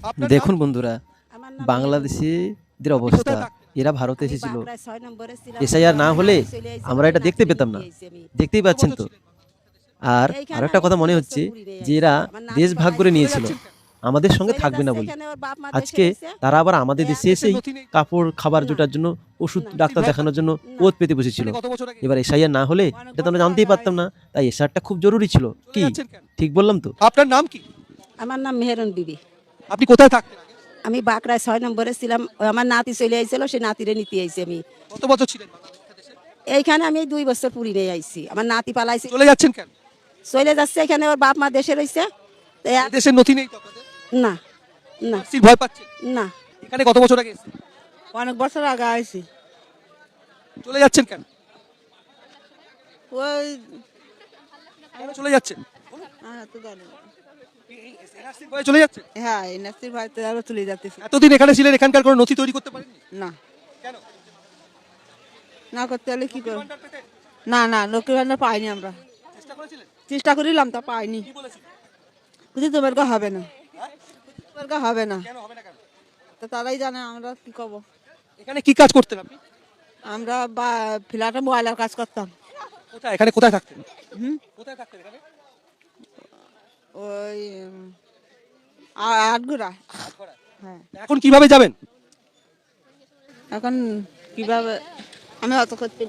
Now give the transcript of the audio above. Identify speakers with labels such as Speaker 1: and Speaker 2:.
Speaker 1: আপনার নাম?
Speaker 2: দেখুন বন্ধুরা,
Speaker 3: আমার নাম
Speaker 2: বাংলাদেশিদের
Speaker 1: আপনি
Speaker 2: অবস্থা,
Speaker 1: কোথায় থাকেন?
Speaker 2: এরা ভারতে
Speaker 3: আমি
Speaker 2: এসেছিল।
Speaker 3: বাঁকড়ায় ৬ নম্বরে ছিলাম।
Speaker 2: এসআইআর না
Speaker 3: আমার
Speaker 2: হলে
Speaker 3: নাতি চলে আইছিল,
Speaker 2: আমরা
Speaker 3: সেই
Speaker 2: এটা দেখতে
Speaker 3: নাতিরে
Speaker 2: পেতাম
Speaker 3: নিতে
Speaker 2: না,
Speaker 3: আইছি আমি।
Speaker 2: দেখতেই
Speaker 1: কত
Speaker 2: পাচ্ছেন
Speaker 1: বছর
Speaker 2: তো।
Speaker 1: ছিলেন বাংলাদেশে?
Speaker 2: আর
Speaker 3: এইখানে
Speaker 2: আরো একটা
Speaker 3: আমি
Speaker 2: কথা
Speaker 3: ২
Speaker 2: মনে
Speaker 3: বছর
Speaker 2: হচ্ছে
Speaker 3: পুরি রয়ে
Speaker 2: যে
Speaker 3: আইছি।
Speaker 2: এরা
Speaker 3: আমার নাতি
Speaker 2: দেশ ভাগ করে
Speaker 3: পালাইছে।
Speaker 1: চলে
Speaker 2: নিয়েছিল,
Speaker 1: যাচ্ছেন কেন?
Speaker 2: আমাদের সঙ্গে
Speaker 3: চলে
Speaker 2: থাকবে না
Speaker 3: যাচ্ছে,
Speaker 2: বলে।
Speaker 3: এখানে ওর বাপ মা দেশে
Speaker 2: আজকে
Speaker 3: রইছে।
Speaker 2: তারা আবার আমাদের
Speaker 3: এই
Speaker 2: দেশে
Speaker 1: দেশের
Speaker 2: এসেই
Speaker 1: নথি নেই?
Speaker 2: কাপড় খাবার
Speaker 3: না।
Speaker 2: জোটার জন্য ওষুধ
Speaker 3: না।
Speaker 2: ডাক্তার
Speaker 1: ভয়
Speaker 2: দেখানোর জন্য
Speaker 3: না।
Speaker 2: ওত পেতে বসেছিল।
Speaker 1: এখানে কত বছর আগে
Speaker 2: এবার
Speaker 1: এসেছেন?
Speaker 2: এসআইআর না হলে এটা তো আমরা জানতেই পারতাম না, তাই এসআরটা খুব জরুরি ছিল।
Speaker 1: চলে
Speaker 2: কি
Speaker 1: যাচ্ছেন কেন?
Speaker 2: ঠিক বললাম তো?
Speaker 1: আপনার নাম কি?
Speaker 3: আমার নাম মেহেরন বিবি।
Speaker 1: আপনি কোথায় থাকতেন আগে?
Speaker 3: আমি বাঁকড়ায় ৬ নম্বরে ছিলাম। ওই আমার নাতি চলে আইছিল, সেই নাতিরে নিতে আইছি আমি।
Speaker 1: কত বছর ছিলেন বাংলাদেশে?
Speaker 3: এইখানে আমি ২ বছর পুরি রয়ে আইছি। আমার নাতি পালাইছে।
Speaker 1: চলে যাচ্ছেন কেন?
Speaker 3: চলে যাচ্ছে, এখানে ওর বাপ মা দেশে রইছে। তো
Speaker 1: এই দেশের নথি নেই তো আপনাদের?
Speaker 3: না, না,
Speaker 1: NRC ভয় পাচ্ছেন?
Speaker 3: না।
Speaker 1: এখানে কত বছর আগে এসেছেন?
Speaker 4: অনেক বছর আগে আইছি।
Speaker 1: চলে যাচ্ছেন কেন?
Speaker 4: ওই
Speaker 1: কেন চলে যাচ্ছেন?
Speaker 4: তো জানি না।
Speaker 1: NRC ভয়ে চলে যাচ্ছেন?
Speaker 4: হ্যাঁ এনআরসির ভাইতে আরো চলে যাচ্তেছি।
Speaker 1: এতদিন এখানে ছিলেন, এখানকার কোনো নথি তৈরি করতে পারেননি?
Speaker 4: না,
Speaker 1: কেন?
Speaker 4: না করতে হলে কি করব?
Speaker 1: ভান্ডার পেতেন?
Speaker 4: না না লক্ষ্মীর ভান্ডার পাইনি আমরা।
Speaker 1: চেষ্টা করেছিলেন?
Speaker 4: চেষ্টা করিলাম তা পাইনি।
Speaker 1: কি বলেছিলেন?
Speaker 4: বুঝি তোমার গা হবে না, তোমার গা হবে না।
Speaker 1: কেন হবে না কেন?
Speaker 4: তো তারাই জানে আমরা কি করব।
Speaker 1: এখানে কি কাজ করতেন আপনি?
Speaker 4: আমরা বা ফ্ল্যাটে মোবাইলের কাজ করতাম।
Speaker 1: কোথায়, এখানে কোথায় থাকতেন?
Speaker 4: হুম
Speaker 1: কোথায় থাকতেন এখানে?
Speaker 4: ওই আটগুড়া। হ্যাঁ
Speaker 1: এখন কিভাবে যাবেন?
Speaker 4: এখন কিভাবে আমি অত করতে